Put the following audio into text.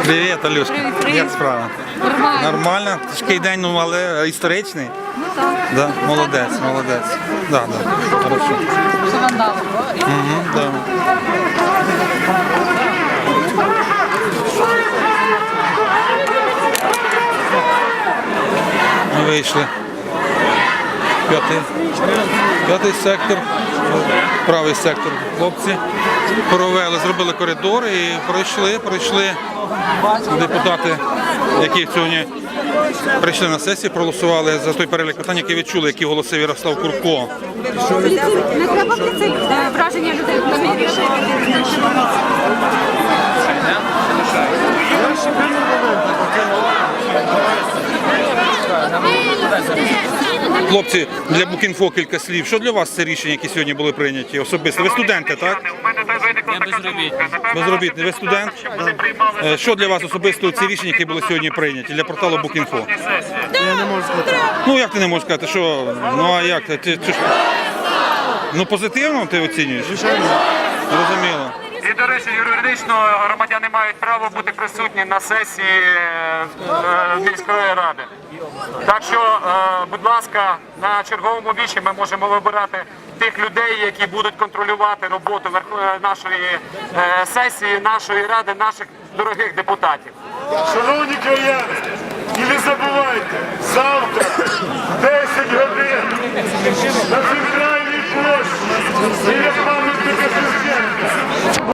Привіт, Алюшка. Привіт. Як справа? Нормально. Нормально? Тяжкий день, ну, але історичний. Ну так. Да? Молодець, молодець. Да, да. Хорошо. Що вам дали? Угу, да. Ми вийшли. П'ятий сектор, правий сектор. Хлопці провели, зробили коридор і пройшли депутати, які сьогодні прийшли на сесію, проголосували за той перелік питань, які відчули, які голосив Ярослав Курко. Не треба враження людей. Хлопці, для Букінфо кілька слів. Що для вас це рішення, які сьогодні були прийняті особисто? Ви студенти, так? Я безробітний. Безробітний. Ви студент? Що для вас особисто ці рішення, які були сьогодні прийняті для порталу Букінфо? Я не можу сказати. Ну як ти не можеш сказати, що? Ну а як? Ну позитивно ти оцінюєш? Звичайно. Зрозуміло. І, до речі, юридично громадяни мають право бути присутні на сесії міської ради. Так що, будь ласка, на черговому вічі ми можемо вибирати тих людей, які будуть контролювати роботу нашої сесії, нашої ради, наших дорогих депутатів. Шановні краяни, і не забувайте, завтра, 10 годин, на центральній площі, біля